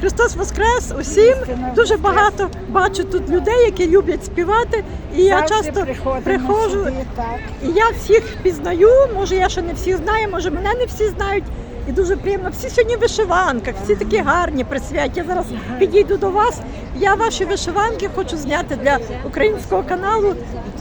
Христос Воскрес усім. Дуже багато бачу тут людей, які люблять співати. І я часто приходжу, і я всіх пізнаю, може я ще не всіх знаю, може мене не всі знають. І дуже приємно. Всі сьогодні в вишиванках, всі такі гарні, присвяті. Я зараз підійду до вас. Я ваші вишиванки хочу зняти для українського каналу.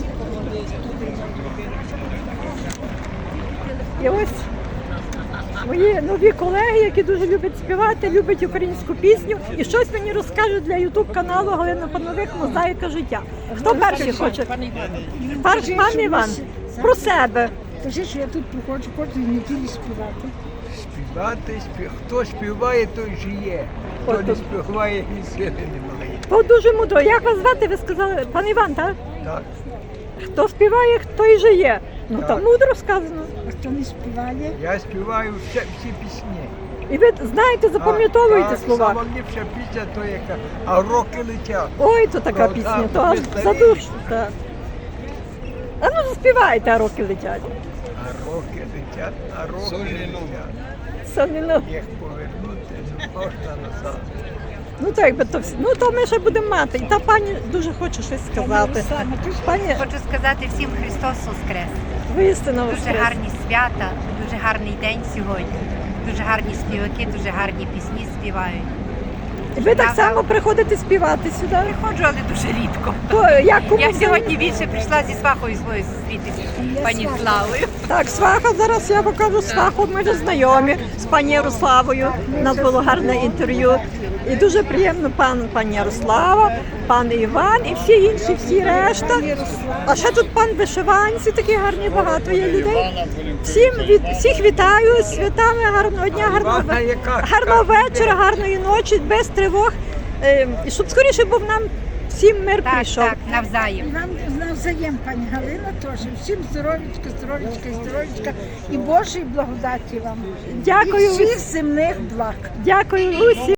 І ось мої нові колеги, які дуже люблять співати, люблять українську пісню. І щось мені розкажуть для ютуб-каналу Галина Пановик «Мозаїка життя». Хто перший хоче? Пан Іван, про себе. Скажи, що я тут приходжу кожної неділі співати. Хто співає, той жиє. Хто не співає, ні сили немає. То дуже мудро. Як вас звати, ви сказали? Пан Іван, так? Так. Хто співає, той жиє. Ну, Так. там мудро сказано. А хто не співає? Я співаю всі пісні. І ви знаєте, запам'ятовуєте слова. Сама ліпша пісня, то яка, а роки летять. Ой, то така Ну, пісня, так, то аж ми за старі. душу. Так. А ну заспівайте, а роки летять. А роки летять, а роки летять. Сонно. Їх повернути не можна назад. Ну то якби то всі. Ну то ми ще будемо мати. І та пані дуже хоче щось сказати. Пані, Хочу сказати всім Христос Воскрес. воістину Дуже воскрес. гарні свята, дуже гарний день сьогодні. Дуже гарні співаки, дуже гарні пісні співають. І ви так само приходите співати сюди. Приходжу, але дуже рідко. То як кому Я взагалі? сьогодні більше прийшла зі свахою своєю зустрітися, пані Славою. Так, сваха, зараз я покажу сваху, ми вже знайомі з пані Ярославою. У нас було гарне інтерв'ю. І дуже приємно пані Ярослава, пан Іван і всі інші, всі решта. А ще тут пан Вишиванці, такі гарні, багато є людей. Всіх вітаю з святами, гарного дня, гарного вечора, гарної ночі, без тривог. І щоб скоріше був нам всім мир Так, прийшов. так, навзаєм. І вам навзаєм, пані Галина, теж. Всім здоров'ячка, здоров'ячка і здоров'ячка. І Божої благодаті вам. Дякую. І всіх земних благ. Дякую усім.